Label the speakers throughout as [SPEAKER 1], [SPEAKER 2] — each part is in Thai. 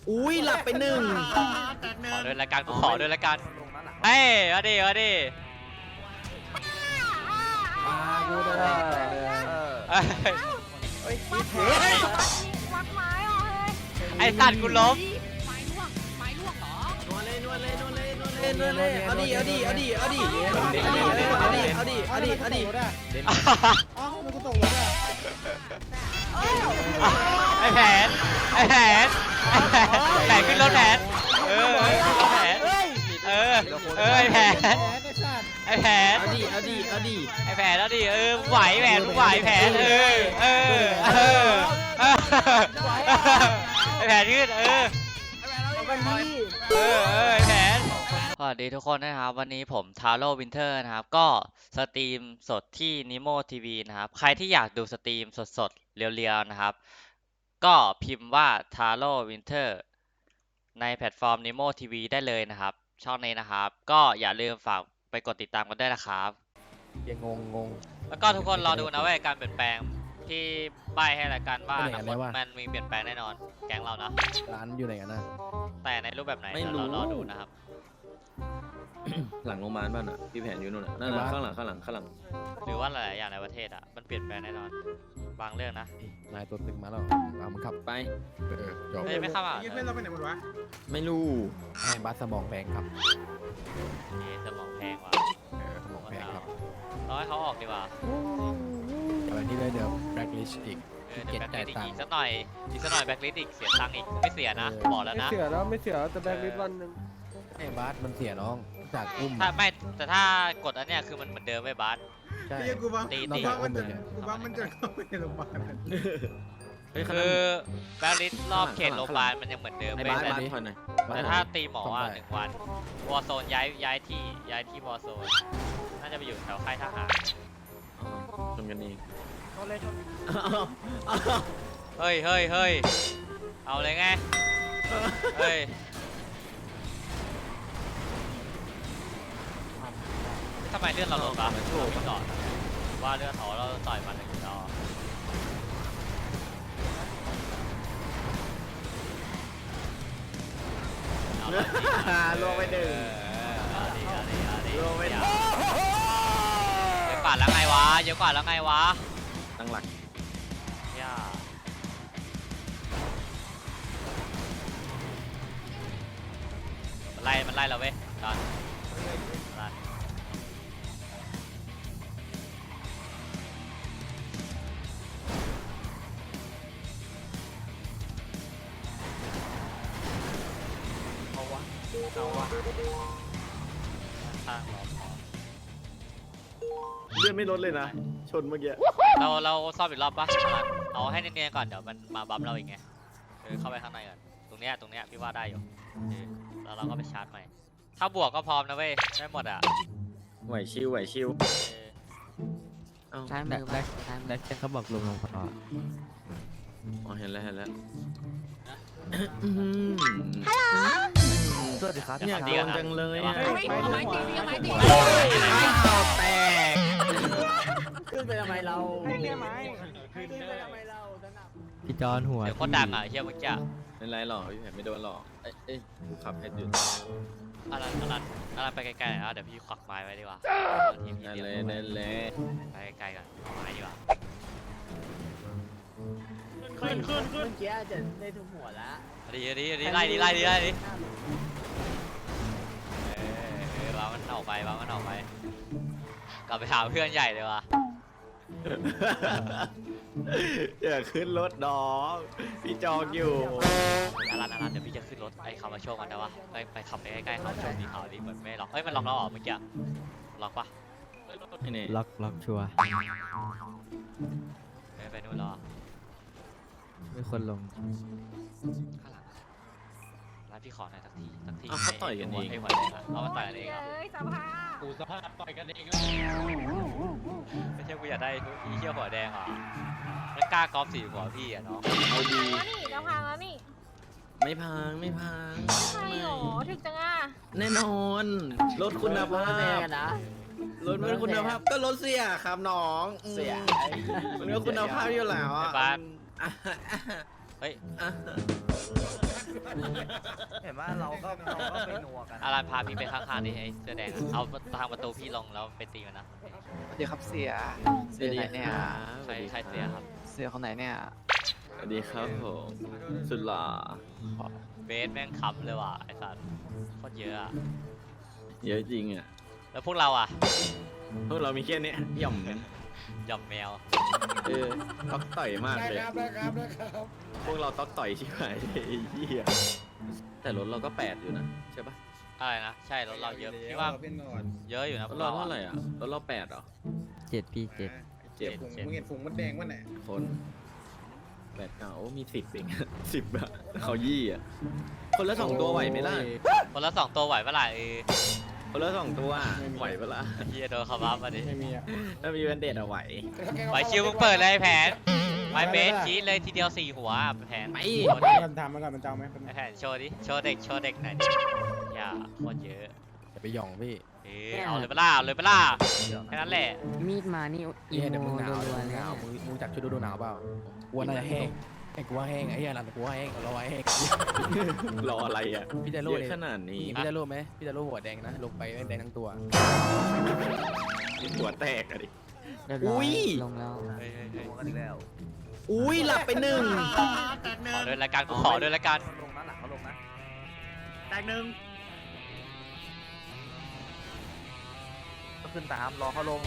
[SPEAKER 1] อุ้ยหลับไปหนึ่ง
[SPEAKER 2] ขอเดินรายการกูขอเดินรายการเฮ้ยมาดิมาดิ
[SPEAKER 1] กูได้
[SPEAKER 2] เอ้ย
[SPEAKER 1] เฮ้ย
[SPEAKER 3] วักไม้อ่ะเฮ้ย
[SPEAKER 2] ไอ้สัตว์กูล้ม
[SPEAKER 3] ไม้ล่วงเหรอน
[SPEAKER 1] วดเลยนวดเลยนวดเลยนวดเลยนวดเลยเอาดิเอาดิเอาดิเอาดิเอาดิเอาดิเอาดิเอาดิเอาดิ
[SPEAKER 4] อ้าวมันก็ตกรถอ่ะ
[SPEAKER 2] ไอ้แผนไอ้แผนแผนขึ้นรถแผนขึ้นรถแผนไอ้แผน
[SPEAKER 4] แหมไอ้ชาติ
[SPEAKER 2] ไอ้แผน
[SPEAKER 1] เอาดิเอาดิเอาดิ
[SPEAKER 2] ไอ้แผนแล้วดิมึงไหวแผนมึงไหวแผนไอ้แผนขึ้นไอ้แผนสวัสดีทุกคนนะครับวันนี้ผมทาโร่วินเทอร์นะครับก็สตรีมสดที่นิโมทีวีนะครับใครที่อยากดูสตรีมสดๆเรียวๆนะครับก็พิมพ์ว่าทาโร่วินเทอร์ในแพลตฟอร์มนิโมทีวีได้เลยนะครับช่องนี้นะครับก็อย่าลืมฝากไปกดติดตามกันด้วยนะครับ
[SPEAKER 4] ยังงง
[SPEAKER 2] แล้วก็ทุกคนรอดูนะว่าการเปลี่ยนแปลงที่ใบให้รายการว่าอนาคตมันมีเปลี่ยนแปลงแน่นอนแก๊งเรานะ
[SPEAKER 4] ร้านอยู่ไหนกันนะ
[SPEAKER 2] แต่ในรูปแบบไหนเดี๋ยวเรารอดูนะครับ
[SPEAKER 1] หลังโรงพยาบาลบ้านอ่ะพี่แผนอยู่นู่นน่ะนั่นข้างหลังข้างหลังข้างหลัง
[SPEAKER 2] หรือว่าหลายๆอย่างในประเทศอ่ะมันเปลี่ยนแปลงแน่นอนบางเรื่องนะ
[SPEAKER 4] นายตัวตึงมาแล้วเอามันขับ
[SPEAKER 1] ไป
[SPEAKER 4] จบ
[SPEAKER 2] เฮ้ยไม่เข้ามา
[SPEAKER 5] เพื่อนเราไปไหนหมดวะ
[SPEAKER 1] ไม่รู้
[SPEAKER 4] ให้บัสสมองแพงครับ
[SPEAKER 2] สมองแพงว่ะ
[SPEAKER 4] สมองแพงครับ
[SPEAKER 2] เราให้เขาออกดีกว่า
[SPEAKER 4] อะไรที่ได้เดี๋ยวแบล็คลิสอีก
[SPEAKER 2] เดี๋ยวแบ็คลิสอีกสักหน่อยแบ็คลิสอีกเสียตังค์อีกไม่เสียนะบอกแล้ว
[SPEAKER 5] ไม่
[SPEAKER 2] นะ
[SPEAKER 5] เสียแล้วไม่เสียแต่แบงค์ลิสวันหนึ่ง
[SPEAKER 4] ไอ้บัสมันเสียน้องจากอุ้ม
[SPEAKER 2] ถ้าไม่แต่ถ้ากดอันเนี้ยคือมันเหมือนเดิมไม่บาส
[SPEAKER 4] ใช่
[SPEAKER 5] ไอ้กูว่า
[SPEAKER 2] ตี
[SPEAKER 5] กูว่ามันจะกูว่ามันจะเข้าไปในโรงพยาบาล
[SPEAKER 1] เฮ้ย
[SPEAKER 2] คือแบ็คลิสรอบเขตโรงพยาบาลมันยังเหมือนเดิม
[SPEAKER 1] ใน
[SPEAKER 2] ไม่
[SPEAKER 1] บ้าน
[SPEAKER 2] แต่
[SPEAKER 1] บ้านถอยหน่อย
[SPEAKER 2] แต่ถ้าตีหมออ่ะ1 วันวอร์โซนย้ายที่วอร์โซนน่าจะไปอยู่แถวค่ายทหาร
[SPEAKER 1] ชนกันเอง
[SPEAKER 2] เฮ้ยเอาเลยไงเฮ้ยทำไมเลื่อนเราลดปะไม่ถูกก่อนว่าเลื่อนเขาเราต่อยมันเลยต่อ
[SPEAKER 1] ลงไปหนึ่ง
[SPEAKER 2] ลงไปหนึ่งเยอะกว่าแล้วไงวะ
[SPEAKER 1] ตั้งหลัก
[SPEAKER 2] ย่ามันไล่เราเว้ยตอนเอาวะข้างเรา
[SPEAKER 1] เลื่อนไม่ลดเลยนะชนเมื่อกี้
[SPEAKER 2] เราซ่อมอีกรอบปะเอาให้เนียนๆก่อนเดี๋ยวมันมาบัมเราอีกไงเข้าไปข้างในก่อนตรงเนี้ยพี่ว่าได้อยู่แล้วเราก็ไปชาร์จใหม่ถ้าบวกก็พร้อมนะเว้ยได้หมดอ่ะ
[SPEAKER 1] ไหวชิวเอ้า
[SPEAKER 6] ซ้ายมือแบ็คเขาบอกลงพอ
[SPEAKER 1] อ๋อเห็นแล้ว
[SPEAKER 6] สวัสดีครับ
[SPEAKER 1] เนี่ยโดนจังเลยอ่ะ
[SPEAKER 3] ไม้ตีไม้ตี
[SPEAKER 1] แตก
[SPEAKER 6] ขึ้นไปทำไมเรา
[SPEAKER 5] ให้เรียไม้
[SPEAKER 6] พี่จอนหัว
[SPEAKER 2] เดี๋ยวโคตรดังอ่ะเฮียเมื่อกี้
[SPEAKER 1] ไม่ไรหรอกพี่แผนไม่โดนหรอกเอ้ยกูขับให้ดู
[SPEAKER 2] อะไรไปไกลๆหน่อยนะเดี๋ยวพี่ควักไม้ไว้ดีกว่าทีมพี่
[SPEAKER 1] นั่น
[SPEAKER 2] เดียว
[SPEAKER 1] เลยนั่นเลย
[SPEAKER 2] ไปไกลๆก่อนเอาไม้ดีกว่า
[SPEAKER 6] ขึ้นเมื่อกี้จะได้ทุกหัวแล้ว
[SPEAKER 2] ดีไล่ดิวางมันออกไปกลับไปหาเพื่อนใหญ่เลยว่ะ
[SPEAKER 1] อย่าขึ้นรถน้องพี่จองอยู่
[SPEAKER 2] อารันเดี๋ยวพี่จะขึ้นรถไอ้คำมาโชว์มันได้ปะไปขับไปใกล้ๆเขาโชว์ดีเขาดีเหมือนไม่ล็อกมันล็อกเราออกเมื่อกี้ล็อกปะ
[SPEAKER 1] นี่
[SPEAKER 6] ล็อกชัวร์
[SPEAKER 2] ไปนู่นรอ
[SPEAKER 6] มีคนลง
[SPEAKER 2] ข้างหลังร้านพี่ขอหน่อยสักที
[SPEAKER 1] เขาต่อยกันเอง
[SPEAKER 2] ไอ้หัวแดงอะเอามาต่อยกันเองอะ
[SPEAKER 3] เอ้ยสภาพ
[SPEAKER 5] กูสภาพต่อยกันเอง
[SPEAKER 2] ไม่ใช่กูอยากได้อีเชี่ยหัวแดงอ่ะแล้วกล้ากอล์ฟสีหัวพี่อ่ะน้อง
[SPEAKER 1] เอาดี
[SPEAKER 3] แล้วนี่จะพังแล้วนี่
[SPEAKER 1] ไม่พัง
[SPEAKER 3] ใช่หรอถึกจังอ่ะ
[SPEAKER 1] แน่นอนรถคุณภาพ
[SPEAKER 6] นะ
[SPEAKER 1] รถเป็นคุณภาพก็รถเสียครับน้องเสียมันก็คุณภาพอยู่แล้ว
[SPEAKER 2] ไอ้
[SPEAKER 1] อ่ะ
[SPEAKER 2] บ้านเฮ้ย
[SPEAKER 1] เห็นว่าเราก็ไปนัวกัน
[SPEAKER 2] อารันพาพี่ไปข้างๆดิไอ้เสื้อแดงอะเอาทางประตูพี่ลงแล้วไปตีมันนะ
[SPEAKER 7] สวัสดีครับเสียเสียไหนเนี่ย
[SPEAKER 2] ใครเสียครับ
[SPEAKER 7] เสียคนไหนเนี่ย
[SPEAKER 8] สวัสดีครับผมสุดหล่อ
[SPEAKER 2] เบสแม่งคำเลยว่ะไอ้สัตว์โคตรเยอะอะ
[SPEAKER 8] เยอะจริงอ่ะ
[SPEAKER 2] แล้วพวกเราอะ
[SPEAKER 8] พวกเรามีแค่เนี้ยหย่อม
[SPEAKER 2] หย่อมแมว
[SPEAKER 8] ต๊อกต่อยมากเลย
[SPEAKER 5] ได้ครับ
[SPEAKER 8] พวกเราต๊อกต่อยชิบหายเลยไอ้เหี้ยแต่รถเราก็8อยู่นะใช่ปะ
[SPEAKER 2] อะไรนะใช่รถเราเยอะพี่ว่า
[SPEAKER 5] เป็นนอน
[SPEAKER 2] เยอะอยู่นะพ
[SPEAKER 8] ร
[SPEAKER 2] ว
[SPEAKER 8] ถ
[SPEAKER 2] ก
[SPEAKER 8] เรา
[SPEAKER 2] เรา
[SPEAKER 8] เท่า
[SPEAKER 2] อะ
[SPEAKER 8] ไหร่อ่ะรถเรา8เหรอ
[SPEAKER 7] 7พี่7
[SPEAKER 8] เจ็ด
[SPEAKER 5] มึงเห็นฝูงมดแดงวะเนี่ย
[SPEAKER 8] คน8 9โอ้มี10เอง 10อะเขายี่อ่ะคนละ2ตัวไหวไหมล่ะ
[SPEAKER 2] คนละ2ตัวไหวปะล่ะ
[SPEAKER 8] คนละ2ตัวไหวปะล่ะ
[SPEAKER 2] เฮียโดนเขาบัฟมาดิ
[SPEAKER 5] ไม่มีอ่ะ
[SPEAKER 8] ถ้ามีแบนเดดอะไหว
[SPEAKER 2] ไหวชิวมึงเปิดเลยแผนไม้เบสชี้เลยทีเดียว4หัวแผน
[SPEAKER 8] ไป
[SPEAKER 2] โชว์ดิ
[SPEAKER 5] มันทำมันก่อนมันจะเอาไหม
[SPEAKER 2] ไอ้แผนโชว์ดิโชว์เด็กหน่อยดิอย่าโคตรเยอะ
[SPEAKER 4] อย่าไปหย่องพี่
[SPEAKER 2] เอาเลยปะล่ะเอาเลยปะล่ะแค่นั้นแหละ
[SPEAKER 7] มีดมานี่อี
[SPEAKER 4] เดี๋ยว
[SPEAKER 7] โม
[SPEAKER 4] มึงหนาว
[SPEAKER 7] รัว
[SPEAKER 4] มึง
[SPEAKER 7] ๆ
[SPEAKER 4] ห
[SPEAKER 7] เลย
[SPEAKER 4] นาวมึงจักชุดฤดูหนาวเปล่ากูว่าน่าจะแห้งไอ้กูว่าแห้งไอ้เหี้ยรันกูว่าแห้งเราว่าแห้ง
[SPEAKER 8] รออะไรอ่ะ
[SPEAKER 4] พี่จะ
[SPEAKER 8] เย
[SPEAKER 4] รู้
[SPEAKER 8] อะ
[SPEAKER 4] เลย
[SPEAKER 8] ขนาดนี้
[SPEAKER 4] พี่จะรู้ไหมพี่จะรู้หัวแดงนะลงไปแดงทั้งตัว
[SPEAKER 8] หัวแตกอะดิ
[SPEAKER 7] เรียบร้อยลงแล้ว
[SPEAKER 2] เฮ้ย
[SPEAKER 1] นัวกันอีกแล้ว
[SPEAKER 8] อุ้ยหลับไป1
[SPEAKER 2] ขอด้วยรายการกูขอด้วยรายการ
[SPEAKER 1] ลงนะหลังเขาลงนะ
[SPEAKER 5] แตกหนึ่ง
[SPEAKER 1] ก็ขึ้นตามรอเขาลง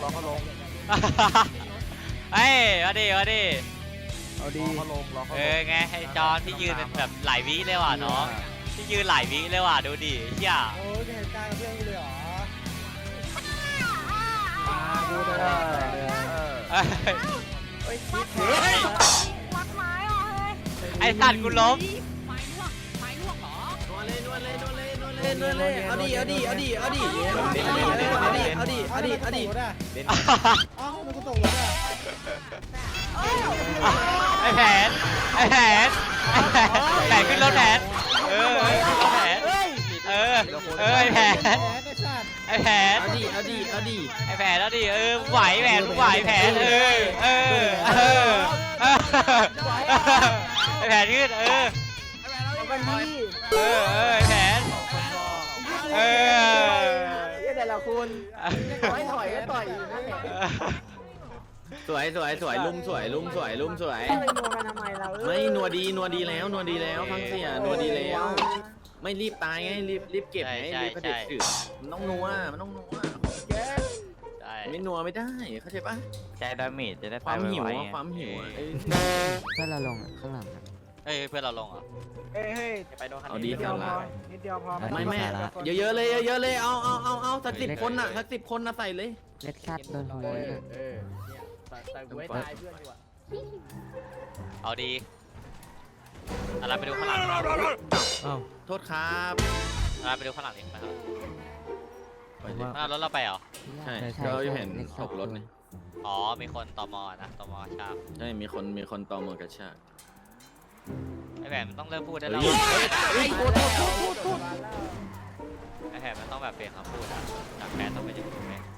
[SPEAKER 2] เฮ้ยมาดิ
[SPEAKER 5] เอาดี
[SPEAKER 1] รอเขาลง
[SPEAKER 2] ไงให้จอนที่ยืนเป็นแบบหลายวิเลยว่ะน้องที่ยืนหลายวิเลยว่ะดูดิเฮีย
[SPEAKER 5] โอ้ยเหตุการณ์กับเพื่อนกูเลยเหรอ
[SPEAKER 2] เอ้ย
[SPEAKER 3] วัดไม้เหรอเฮ้ย
[SPEAKER 2] ไอสัตว์กูล้ม
[SPEAKER 3] ไม้ล่วงเหรอ
[SPEAKER 1] เล่นเอาดิ
[SPEAKER 5] อ้าวมันกูตกรถอ่ะ
[SPEAKER 2] ไอแผนขึ้นรถแผนไอแผน
[SPEAKER 5] แพ้ไอ้สัตว์
[SPEAKER 2] ไอแผน
[SPEAKER 1] เอาดิ
[SPEAKER 2] ไอแผนแล้วดิไหวแผนไหวแผนไอแผนขึ้นไอแผน
[SPEAKER 6] แต่ละคนถอยก็ต่อยอยู่นั่นแหละ
[SPEAKER 8] สวยลุ่มสวย
[SPEAKER 6] ไปนัวกันทำไมเรา
[SPEAKER 8] ไม่นัวดีแล้วฟังเสียนัวดีแล้ว ไม่รีบตายไงรีบเก็บไงรีบประเด็ดถือมันต้องนัว
[SPEAKER 2] ใช่
[SPEAKER 8] ไม่นัวไม่ได้เข้าใจปะ
[SPEAKER 7] ใจดาเมจจะได้
[SPEAKER 8] ความหิวอะความหิวอะ
[SPEAKER 7] เพื่อนเราลงอะข้างหลังอะ
[SPEAKER 2] เฮ้ยเพื่อนเราลงเหรอ
[SPEAKER 6] เฮ้ย
[SPEAKER 8] เอาดี
[SPEAKER 6] นิดเดี
[SPEAKER 8] สา
[SPEAKER 6] ยวพ
[SPEAKER 8] ระ
[SPEAKER 6] อนิดเดียวพอ
[SPEAKER 8] ไม่เยอะๆเลยเอาสัก10 คนน่ะสัก10 คนน่ะใส่เลย
[SPEAKER 7] เล็ดคัดโดนขโมยเลย
[SPEAKER 6] แต่กูให้ตายเพื่อนอยู่อะ
[SPEAKER 2] เอาดีอะไรไปดูข้างหลัง
[SPEAKER 8] โทษครับ
[SPEAKER 2] อะไรไปดูข้างหลังดินะครับ
[SPEAKER 8] ไปเลย
[SPEAKER 2] ข้างหน้ารถเราไปเหรอ
[SPEAKER 8] ใช่เราเห็นตกรถไง
[SPEAKER 2] อ๋อมีคนตมนะตมชาบ
[SPEAKER 8] ใช่มีคนตอมอกระชาก
[SPEAKER 2] ไอแผนมันต้องเริ่มพูดได้แล้ว
[SPEAKER 8] เฮ้ยโทษ
[SPEAKER 2] ไอแผนมันต้องแบบเปลี่ยนคำพูดอะจากแผนต้องไปถึงแผน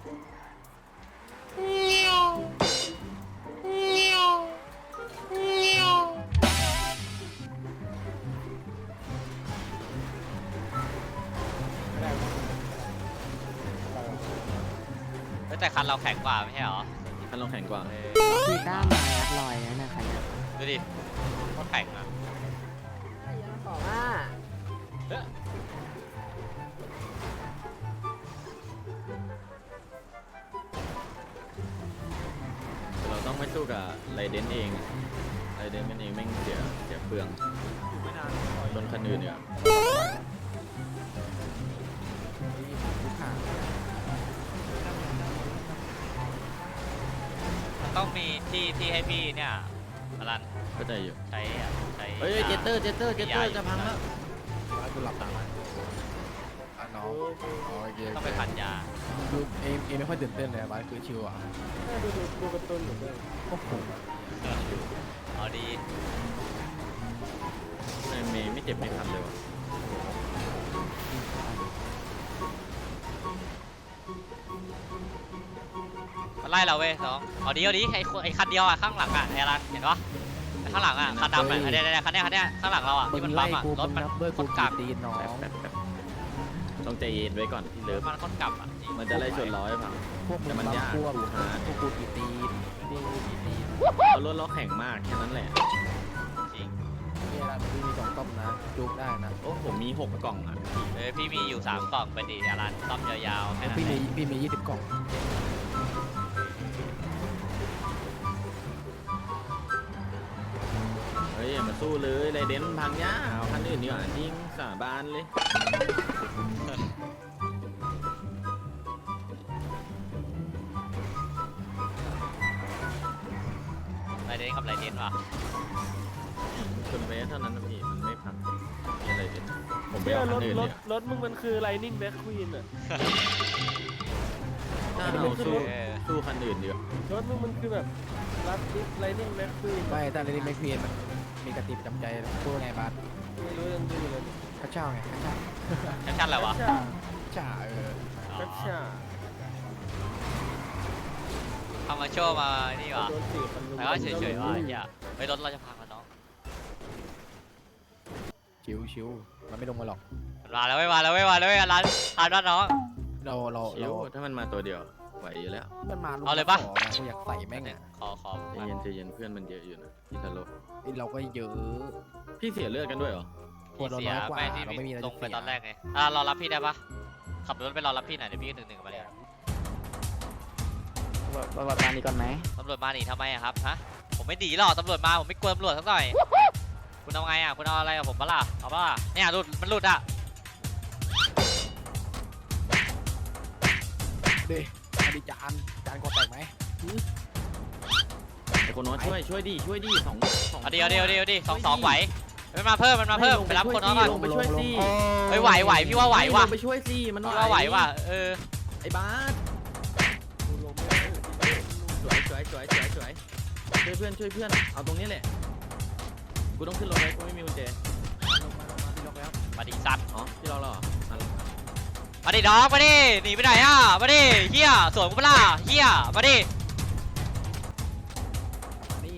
[SPEAKER 2] แต่คันเราแข็งกว่าไม่ใช่เหรอ
[SPEAKER 8] คันเราแข็งกว่า
[SPEAKER 7] พี่ต้ามางัดลอยแล้วนะครับเนี่ย
[SPEAKER 2] ดูดิโคตรแข็งอ่ะ
[SPEAKER 6] ต่อมา
[SPEAKER 8] เราต้องไม่สู้กับไรเดนเองไรเดนมันเองแม่งเสียเปลืองจนคันอื่นเนี่ย
[SPEAKER 2] มันต้องมีที่ให้พี่เนี่ยอลัน
[SPEAKER 8] ก็ใจอยู่
[SPEAKER 2] ใช้
[SPEAKER 8] เฮ้ยเจตเตอร์จะพังแล้ว
[SPEAKER 4] บ้านกูหลับตาน้องโอเค
[SPEAKER 2] ต้องไปพันยา
[SPEAKER 4] ดูเอ็มไม่ค่อยตื่นเต้นเลยบ้านคือชิวอ่ะ
[SPEAKER 5] ดูการ์ตูนอยู่ด้วย
[SPEAKER 4] โอ้โห
[SPEAKER 2] เอาดี
[SPEAKER 8] ไม่เจ็บไม่คันเลยวะ
[SPEAKER 2] มันไล่เราเว้ยน้องเอาดีไอคันเดียวอ่ะข้างหลังอ่ะไออลันเห็นปะไอข้างหลังอ่ะคันดำอ่ะเดี๋ยวคันเนี้ยข้างหลังเราอ่ะที่มันปั๊มอ่ะรถมัน
[SPEAKER 4] ด้วย
[SPEAKER 2] ค
[SPEAKER 4] กู
[SPEAKER 2] นกลับ
[SPEAKER 4] ตีนน้อง
[SPEAKER 8] ต้องใจเย็นไว้ก่อนพี่เลิฟ
[SPEAKER 2] มันคนกลับอ่ะ
[SPEAKER 8] มันจะไล่ชนล้อให้พัง
[SPEAKER 4] พวกมึ
[SPEAKER 8] แต่
[SPEAKER 4] ง
[SPEAKER 8] มันยาก
[SPEAKER 4] พวก
[SPEAKER 8] ดูฮาร์ด
[SPEAKER 4] พวกกูกี่ตีนพวกกูกี่ตีน
[SPEAKER 8] เอารถล้อแข็งมากแค่นั้นแหละ
[SPEAKER 2] จริง
[SPEAKER 4] เนี่ยร้านพี่มี2 ต้มนะจุกได้นะ
[SPEAKER 8] โอ้ผมมี6 กล่องอ่ะ
[SPEAKER 2] พี่มีอยู่3 กล่องไปดิร้านซ่อมยาวๆแค่นั้น
[SPEAKER 4] พี่
[SPEAKER 2] แห
[SPEAKER 4] มี
[SPEAKER 2] ละ
[SPEAKER 4] พี่มี20 กล่อง
[SPEAKER 8] เฮ้ยอย่ามาสู้เลยไรเดนพังย่าเอาคันอื่นดีกว่าจริงสาบานเลย
[SPEAKER 2] ไรเดนกับไรเดนว่ะ
[SPEAKER 8] ชนไปเท่านั้นนะพี่มันไม่พังมีอะไรเดนผมไป
[SPEAKER 5] เนี่ย
[SPEAKER 8] เอา
[SPEAKER 5] ร
[SPEAKER 8] คัน
[SPEAKER 5] ถ
[SPEAKER 8] อื่น
[SPEAKER 5] ร
[SPEAKER 8] เล
[SPEAKER 5] ถ
[SPEAKER 8] ย
[SPEAKER 5] รถมึงมันคือ Lightning Back Queen อ่ะ
[SPEAKER 8] ถ้าเอาสู้
[SPEAKER 2] เออ
[SPEAKER 8] สู้คันอื่นดีกว่าร
[SPEAKER 5] ถมึงมันคือแบบรัดดิฟ Lightning Back Queen
[SPEAKER 4] ไม่แต่เรนนี่ไม่เพียนมันมีกระติบจำใจพูดไงบาส
[SPEAKER 5] ไม่รู้ยังดูเลย
[SPEAKER 4] ข้าเช่าไงข้าเช่า
[SPEAKER 2] แคปชั่นอะไรวะ
[SPEAKER 5] ช่า
[SPEAKER 4] ช่า
[SPEAKER 2] อ๋อ
[SPEAKER 5] กัชชา
[SPEAKER 2] ทำมาโชว์มานี่ว่ะ
[SPEAKER 5] โดนสี่คนลุม
[SPEAKER 2] แต่ก็เฉยๆว่ะเฮียไปรถเราจะพังแล้วน้อง
[SPEAKER 4] ชิวมันไม่ลงมาหรอก
[SPEAKER 2] มันมาแล้วไม่มาแล้วไม่มาแล้วไม่มาร้านน้อง
[SPEAKER 4] เรา
[SPEAKER 8] ชิวถ้ามันมาตัวเดียวไหวอยู่แล้ว
[SPEAKER 4] มันมา
[SPEAKER 2] เอาเลยปะ
[SPEAKER 4] ขอนะกูอยากใส่แม่งอ่ะ
[SPEAKER 2] ขอ
[SPEAKER 8] ใจเย็นเพื่อนมันเยอะอยู่นะพี่ทาโร่
[SPEAKER 4] เราก็เยอะ
[SPEAKER 8] พี่เสียเลือดกันด้วยเหรอ
[SPEAKER 4] คนเรา
[SPEAKER 2] เสีย
[SPEAKER 4] น้อยกว่า
[SPEAKER 2] ไม่ที่
[SPEAKER 4] เราไม่มีอะไร
[SPEAKER 2] ลงไป
[SPEAKER 4] เสีย
[SPEAKER 2] ตอนแรกไงรอรับพี่ได้ปะขับรถไปรอรับพี่หน่อยเดี๋ยวพี่1-1กับมาเลย
[SPEAKER 7] ประวัติการนี้ก่อนไหม
[SPEAKER 2] ตำรวจมาหนีทำไมอะครับฮะผมไม่หนีหรอกตำรวจมาผมไม่กลัวตำรวจสักหน่อยคุณเอาไงอะคุณเอาอะไรกับผมปะล่ะเอาปะล่ะเนี่ยหลุดมันหลุดอะ
[SPEAKER 4] ดิอดีจานกอแตกไหม
[SPEAKER 8] ไอ้คนน้อยช่วยดิสอง
[SPEAKER 2] เอาดิ2-2ไหวมันมาเพิ่มไปรับคนน้องก่อน
[SPEAKER 8] ลงไปช่วยสิ
[SPEAKER 2] เฮ้ยไหวพี่ว่าไหวว่ะ
[SPEAKER 8] ลงไปช่วยสิมัน
[SPEAKER 2] พี่ว่าไหวว่ะ
[SPEAKER 8] ไอ้บาส
[SPEAKER 5] กูลงไม่ได้
[SPEAKER 8] สวยช่วยเพื่อนเอาตรงนี้แหละกูต้องขึ้นรถเลยกูไม่มีกุญแจ
[SPEAKER 2] มาดิสัตว์
[SPEAKER 8] อ๋อพี่รอเหรอ
[SPEAKER 2] มาดิน้องมาดิหนีไปไหนอะมาดิเฮียสวนกูปะล่ะเฮียมาดิ
[SPEAKER 4] นี่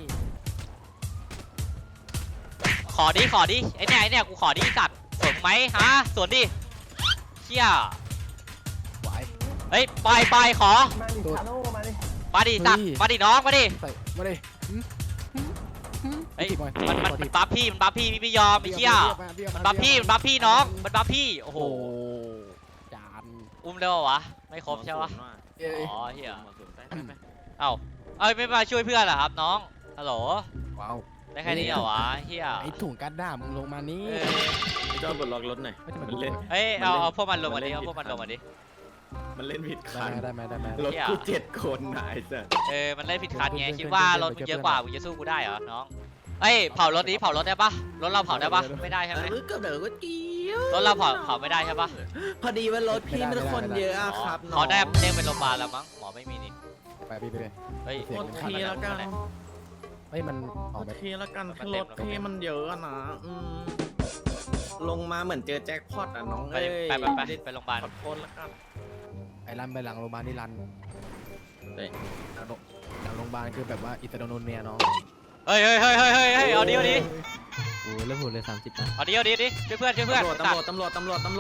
[SPEAKER 2] ขอดิไอ้เนี่ยกูขอดิสัตว์สวนกูไหมฮะสวนดิเฮีย
[SPEAKER 4] ไหว
[SPEAKER 2] เฮ้ยปล่อยขอ
[SPEAKER 5] มาดิชาโน่มาดิ
[SPEAKER 2] มาดิสัตว์มาดิน้องมาดิ
[SPEAKER 4] ใส่มาดิ
[SPEAKER 2] เฮ้ย
[SPEAKER 4] ถีบหน่อย
[SPEAKER 2] มันบัฟพี่พี่ไม่ยอมไอ้เฮียมันบัฟพี่น้องมันบัฟพี่โอ้โห
[SPEAKER 4] โอ้จาน
[SPEAKER 2] อุ้มได้ปะวะไม่ครบใช่ปะ
[SPEAKER 4] เอ้ย
[SPEAKER 2] อ๋อเฮียเอ้าไม่มาช่วยเพื่อนเหรอครับน้องฮัลโหล
[SPEAKER 4] ว้าว
[SPEAKER 2] ได้แค่นี้เหรอวะเฮีย
[SPEAKER 4] ไอ้ถุงกันด้ามึงลงมานี่
[SPEAKER 2] เออ
[SPEAKER 8] จอดบนล็อกรถหน่อย
[SPEAKER 4] ไม่ใช่
[SPEAKER 8] มั
[SPEAKER 4] มัน
[SPEAKER 8] นเล่น
[SPEAKER 2] เฮ้ยเอาพวกมันลงมาดิ
[SPEAKER 8] มันเล่น
[SPEAKER 2] เอาพวกมันลงมาดิ
[SPEAKER 8] มันเล่นผิด
[SPEAKER 4] ได้
[SPEAKER 8] คัน
[SPEAKER 4] ไหม
[SPEAKER 8] รถกู7 คนนายสัส
[SPEAKER 2] มันเล่นผิดคันไงคิดว่ารถมึงเยอะกว่ามึงจะสู้กูได้เหรอน้องเฮ้ยเผารถนี้เผารถได้ปะรถเราเผาได้ปะไม่ได้ใช่ไหม
[SPEAKER 8] ก็เดี๋ยวก็เกี่ยว
[SPEAKER 2] รถเราเผาไม่ได้ใช่ปะ
[SPEAKER 8] พอดีว่ารถพี่มันคนเยอะอะครับน้อง
[SPEAKER 2] เขาได้เด้งไปโรงพยาบาลแล้วมั้งหมอไม่มีนี่
[SPEAKER 4] ไปพี่
[SPEAKER 2] เฮ้ย
[SPEAKER 8] โอเคแล้วกัน
[SPEAKER 4] เฮ้ยมันออก
[SPEAKER 8] โอ
[SPEAKER 4] แบบ
[SPEAKER 8] เคแล้วกันคือรถพี่มันเยอะอะนะลงมาเหมือนเจอแจ็คพอตอ่ะน้อง
[SPEAKER 2] ไป
[SPEAKER 8] เอ้ย
[SPEAKER 2] ไปโรงพยาบาล
[SPEAKER 8] ขอโทษแล้วกัน
[SPEAKER 4] ไอ้รันไปหลังโรงพยาบาลนี่รัน
[SPEAKER 8] เฮ้ย
[SPEAKER 4] หลังโรงพยาบาลคือแบบว่าอิตาโดนเนียน้อง
[SPEAKER 2] เฮ้ยเอาดิ
[SPEAKER 7] โอ้เริ่มโหดเลย30นะ
[SPEAKER 2] เอาดิช่วยเพื่อน
[SPEAKER 8] ตำรวจ
[SPEAKER 2] ตัด
[SPEAKER 8] ตำรวจคันเดียว
[SPEAKER 2] ขึ้น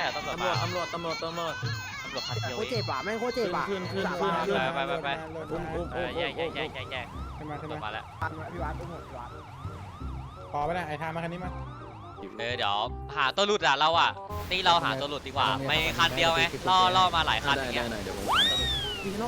[SPEAKER 5] โคเจ็บอ่ะแม่งโคเจ็บอ่ะ
[SPEAKER 8] ขึ้น
[SPEAKER 2] ไป
[SPEAKER 5] อุ้ม
[SPEAKER 2] แยก
[SPEAKER 5] ขึ้นมา
[SPEAKER 2] ลงมาแล้ว
[SPEAKER 5] พี่วัดอุ้มพี่วัดพอไปได้ไอ้ทามาคันนี้มา
[SPEAKER 2] เดี๋ยวหาตัวหลุดอะเราอะตีเราหาตัวหลุดดีกว่าไม่คันเดียวไงล่อมาหลายคันอย่างเงี้ย
[SPEAKER 8] ได้เดี๋ยวผมทำ
[SPEAKER 4] พี่นก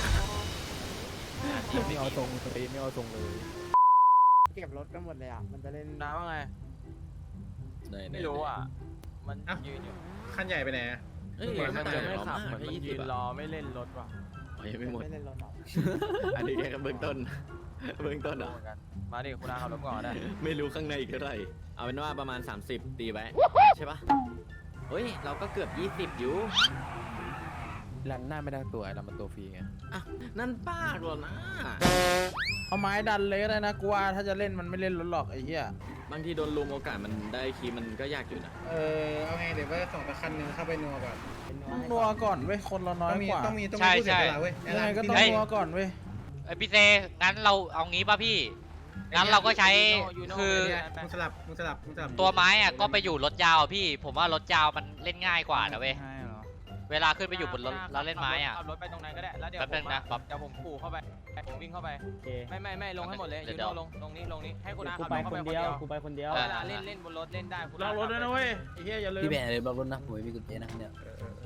[SPEAKER 4] ไม่เอาตรงสตรีไม่เอาตรงเลย
[SPEAKER 5] เก็บรถกันหมดเลยอ่ะมันจะเล่น
[SPEAKER 6] น้าว่าไง ไม่รู้อ่ะ มันยืนอยู่
[SPEAKER 5] คันใหญ่ไปไหน
[SPEAKER 8] เอ้ย
[SPEAKER 6] มันจะไม่ขับมัน
[SPEAKER 8] ให้
[SPEAKER 6] ยืนรอไม่เล่นรถว่ะ
[SPEAKER 8] ยังไม่หมด
[SPEAKER 5] ไม่เล่นรถหรอ
[SPEAKER 8] อันนี้แค่เบื้องต้นเหรอ
[SPEAKER 6] เหมือนกันมาดิคุณอาขับรถก่อนได้
[SPEAKER 8] ไม่รู้ข้างในอีกเท่าไหร่ เอาเป็นว่าประมาณ 30 ตีไว้ ใช่ปะเฮ้ย เราก็เกือบ 20 อยู่
[SPEAKER 4] รันหน้าไม่ได้ตัวไอ้รันมันตัวฟรีไง
[SPEAKER 8] อ่ะ นั่นป้าหรอนะ
[SPEAKER 5] เอาไม้ดันเลยก็ได้นะกูว่าถ้าจะเล่นมันไม่เล่นรถหรอกไอ้เหี้ย
[SPEAKER 8] บางทีโดนลุมโอกาสมันได้คีย์มันก็ยากอยู่นะ
[SPEAKER 5] เอาไงเดี๋ยวว่าส่งตะคันหนึ่งเข้าไปนัวก่อนนัวก่อนเว้ยคนเราน้อยกว่า
[SPEAKER 2] ใช่
[SPEAKER 5] ยังไงก็ต้องนัวก่อนเว้ย
[SPEAKER 2] พี่เซงั้นเราเอางี้ป่ะพี่งั้นเราก็ใช้คือ
[SPEAKER 5] มึงสลับ
[SPEAKER 2] ตัวไม้อะก็ไปอยู่รถยาวอะพี่ ผมว่ารถยาวมันเล่นง่ายกว่านะเว้ยเวลาขึ้นไปอยู่บนรถแล้วเล่นไม้อะ
[SPEAKER 6] ขับรถไปตรงนั้นก็ได้แล้วเดี๋ยว
[SPEAKER 2] แป๊บนึงนะป๊อป
[SPEAKER 6] เดี๋ยวผมขู่เข้าไปผมวิ่งเข้าไป
[SPEAKER 7] โอเค
[SPEAKER 6] ไม่ลงให้หมดเลย
[SPEAKER 2] เดี๋
[SPEAKER 6] ยู
[SPEAKER 2] ยว
[SPEAKER 6] โน่ลงนี้ให้คุณอา
[SPEAKER 7] กู
[SPEAKER 6] ขับ
[SPEAKER 7] ไป
[SPEAKER 6] เข้า
[SPEAKER 7] ค
[SPEAKER 6] ไป
[SPEAKER 7] น
[SPEAKER 6] คน
[SPEAKER 7] เดี
[SPEAKER 6] เดี
[SPEAKER 7] ย
[SPEAKER 6] ยว ว
[SPEAKER 7] กูไปคนเดียว
[SPEAKER 6] เวลาเล่นบนรถเล่นได้
[SPEAKER 5] ลองรถด้วยนะเว้ยไอ้เหี้ยอย่าลืม
[SPEAKER 4] พี่แบนเลยบอกรถนะผมไม่มีกุญแจนะเนี่ย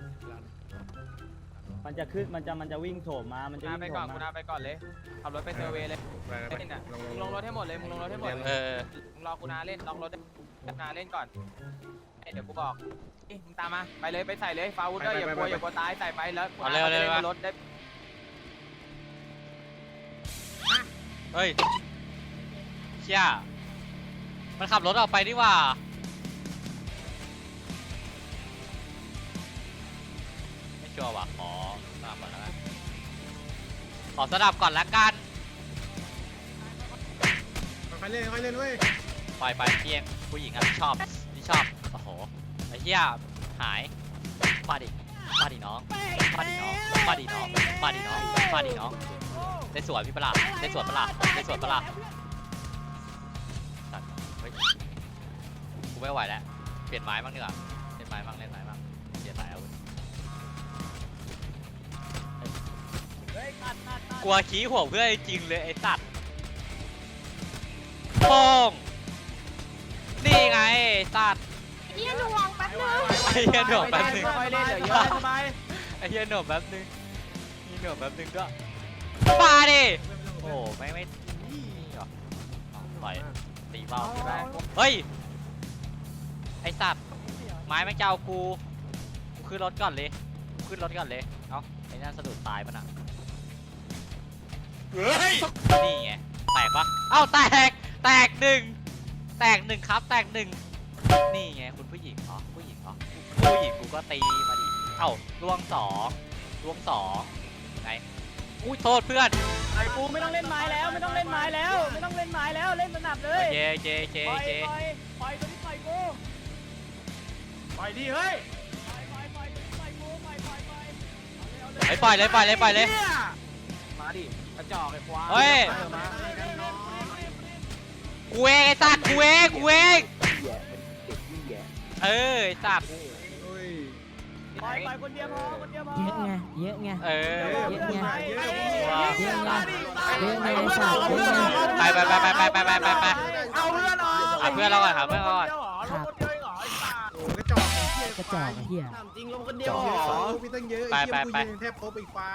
[SPEAKER 7] มันจะขึ้นมันจะวิ่งโถมมามัน
[SPEAKER 6] คุ
[SPEAKER 7] จะ
[SPEAKER 6] ณอา
[SPEAKER 7] วิ่ง
[SPEAKER 6] ไป
[SPEAKER 7] โถ
[SPEAKER 6] ก่อน
[SPEAKER 7] ม
[SPEAKER 6] คุณ
[SPEAKER 7] มา
[SPEAKER 6] อาไปก่อนเลยขับรถไปเซอร์เวย์เลย
[SPEAKER 5] ไป
[SPEAKER 6] เล่นอ่ะมึงลงรถให้หมดเลยมึงลงรถให้หมด
[SPEAKER 2] เออ
[SPEAKER 6] มึงรอคุณอาเล่นล็อกรถคุณอาเล่นก่อนเดี๋ยวกูบอกมึงตามมาไปเลยไปใส่เลยฟาวุธด้วยอย่ากลัวตายใส่ไปแล้วคุณอาเล่นบนรถได้
[SPEAKER 2] เฮ้ยเชี่ยมันขับรถออกไปดีกว่าไม่ชัวร์ว่ะขอสนับก่อนแล้วกันขอสนับก่อนละกัน
[SPEAKER 5] ค่อยเล่นเว้ย
[SPEAKER 2] ปล่อยไปเพียงผู้หญิงอ่ะที่ชอบโอ้โหไอ้เหี้ยหายมาดิน้องมาดิน้องได้สวนพี่ปะล่ะได้สวนปะล่ะสัตว์เฮ้ยกูไม่ไหวแล้วเปลี่ยนไม้บ้างดีกว่าเล่นไม้บ้างเปลี่ยนไม้อาวุธกลัวขี้หัวเพื่อนจริงเลยไอ้สัตว์โป้งนี่ไงไอ้สัตว์
[SPEAKER 3] เฮียหน่วงแป๊บนึง
[SPEAKER 2] ไอ้เหี้ยหนวกแป๊บนึง
[SPEAKER 6] ค่อยเล่นเดี๋ยวเยอะสบาย
[SPEAKER 2] ไอ้เหี้ยหนวกแป๊บนึงมีหนวกแป๊บนึงด้วยมาดิโอ้ไม่นี่หรอปล่อยตีเบาเฮ้ยไอสัตว์ไม้แม่งจะเอากูขึ้นรถก่อนเลยเอ้าไอ้นั่นสะดุดตายปะน่ะนี่ไงแตกปะเอ้าแตกหนึ่งครับแตกหนึ่งนี่ไงคุณผู้หญิงเหรอผู้หญิงกูก็ตีมาดิเอ้าล่วงสองไงอุ้ยโทษเพื่อน
[SPEAKER 7] ไอ้กูไม่ต้องเล่นไม้แล้วไม่ต้องเล่นไม้แล้วเล่นสนับเลย
[SPEAKER 2] เจ
[SPEAKER 7] ปล่อยตัวนี้ปล่อยกู
[SPEAKER 5] ปล่อยดิเฮ้ย
[SPEAKER 7] ปล่อยตัวนี้ปล่อยกูปล่อย
[SPEAKER 2] ไปปล่อยเลย
[SPEAKER 6] มาดิกระจอกไอ้ควาย
[SPEAKER 2] เฮ้ย กูเองไอ้สัตว์กูเองเออไอ้สัตว์
[SPEAKER 7] ปล่อยคนเดียวพอ
[SPEAKER 9] เยอะไง
[SPEAKER 2] เออ
[SPEAKER 9] เยอะไง
[SPEAKER 2] ว้า
[SPEAKER 9] เยอะไงเยอะไงสัตว์เยอะไง
[SPEAKER 2] ไป
[SPEAKER 5] เอาเพื่อนหน่อย
[SPEAKER 2] หาเพื่อนเราก่อน
[SPEAKER 9] ครับ
[SPEAKER 5] โอ้กระจอกเหี้ย
[SPEAKER 9] กระจอกไอ้เหี้ย
[SPEAKER 1] ถามจริงลงคนเดียว
[SPEAKER 5] เย
[SPEAKER 1] เหร
[SPEAKER 5] อะ
[SPEAKER 1] อ
[SPEAKER 5] พี่ตั้งเยอะ
[SPEAKER 2] ไป
[SPEAKER 5] ไอ้เหี้ยกูยืนแทบครบอีกไฟ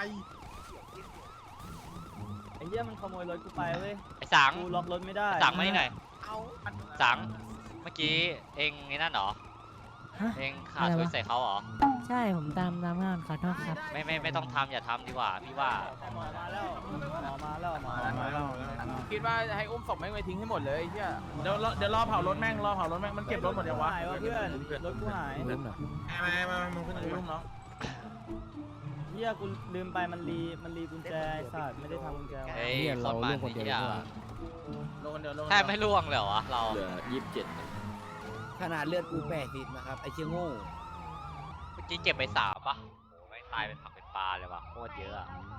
[SPEAKER 7] ไอ้เหี้ยมันขโมยรถกูไปเว้ย
[SPEAKER 2] ไอ้สัง
[SPEAKER 7] กูล็อกรถไม่ได้
[SPEAKER 2] สังมานี่หน่อยสังเมื่อกี้เองไอ้นั่นเหรอ
[SPEAKER 9] ฮะ
[SPEAKER 2] เองขาดทุนใส่เขาเหรอ
[SPEAKER 9] ใช่ผมตามงานขอโทษครับ
[SPEAKER 2] ไม่ต้องทำอย่าทำดีกว่าพี่ว่า
[SPEAKER 7] หมอมาแล้ว
[SPEAKER 6] คิดว่าให้อุ้มศพแม่งไปทิ้งให้หมดเลยไอ้เหี้ย
[SPEAKER 5] เดี๋ยวรอเผารถแม่งมันเก็บรถหมดยังวะ
[SPEAKER 7] หายวะเพื่อนรถกูหาย
[SPEAKER 4] ลืมเหรอ
[SPEAKER 5] มามึงขึ้นรุ่มเนาะ
[SPEAKER 7] เหี้ยกูลืมไปมันรีกุญแจไอ้สัตว์ไม่ได้ทำกุญแจไว้
[SPEAKER 2] เฮ้ย
[SPEAKER 4] เนี่ย
[SPEAKER 2] ค
[SPEAKER 4] เรา
[SPEAKER 2] นมั
[SPEAKER 4] เรื่
[SPEAKER 2] น
[SPEAKER 4] องคนเดียว
[SPEAKER 2] นี่
[SPEAKER 4] ดี
[SPEAKER 2] อ่ะ
[SPEAKER 4] กว่า
[SPEAKER 5] ลงคนเดียว
[SPEAKER 2] แทบไม่ล่วงเลยเหรอวะเรา
[SPEAKER 8] เหลือ27
[SPEAKER 4] ขนาดเลือดกู80นะครับไอ้เชี่ยโง่
[SPEAKER 2] เมื่อกี้เก็บไป3ป่ะโอ้ไม่งตายเป็นผักเป็นปลาเลยว่ะโคตรเยอะอะ
[SPEAKER 4] อื